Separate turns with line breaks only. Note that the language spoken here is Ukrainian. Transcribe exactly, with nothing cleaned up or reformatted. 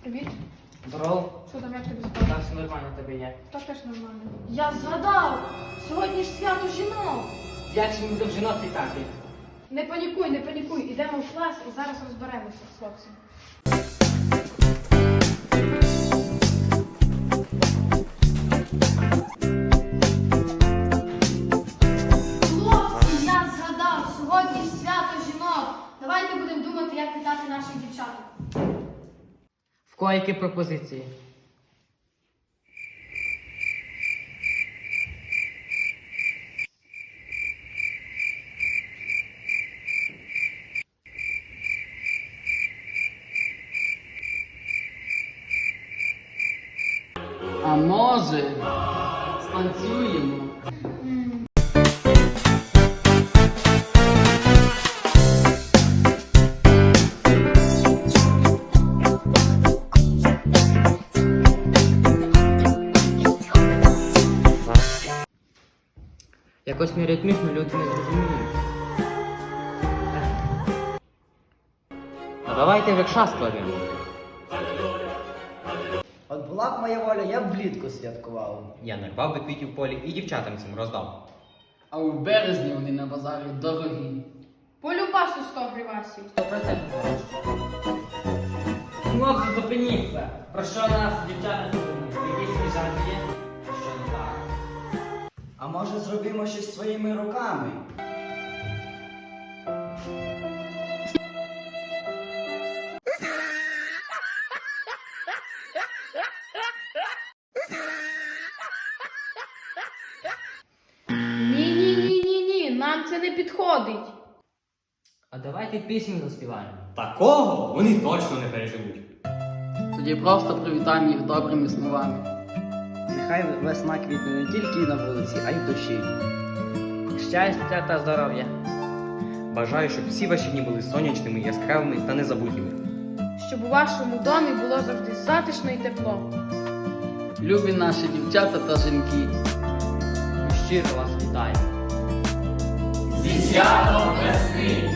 Привіт.
Здорово.
Що там, як тобі справа?
Так, все нормально в тебе є.
Так теж нормально. Я згадав! Сьогодні ж свято жінок!
Як ж ми будемо жінок вітати?
Не панікуй, не панікуй. Ідемо в клас і зараз розберемося з хлопцем. Хлопці, я згадав! Сьогодні ж свято жінок! Давайте будемо думати, як вітати наших дівчаток.
В кого які пропозиції?
А може, станцюємо?
Якось не ритмічно люди не зрозуміють. Ну давайте векша складемо.
От була б моя воля, я б влітку святкував.
Я нарвав би квітів в полі і дівчатам цим роздав.
А у березні вони на базарі дорогі.
Полюбасу сто гривасів.
Сто процентів залишиться. Хлопці, зупиніться! Про що нас, дівчата, думають? Якісь свіжанки є? Що не так?
А може зробимо щось своїми руками?
Ні-ні-ні-ні-ні, нам це не підходить.
А давайте пісню заспіваємо.
Такого вони точно не переживуть.
Тоді просто привітаємо їх добрими словами.
Нехай весна квітне не тільки на вулиці, а й в душі.
Щастя та здоров'я.
Бажаю, щоб всі ваші дні були сонячними, яскравими та незабутніми.
Щоб у вашому домі було завжди затишно і тепло.
Любі наші дівчата та жінки.
Ми щиро вас вітаємо.
Зі святом весни!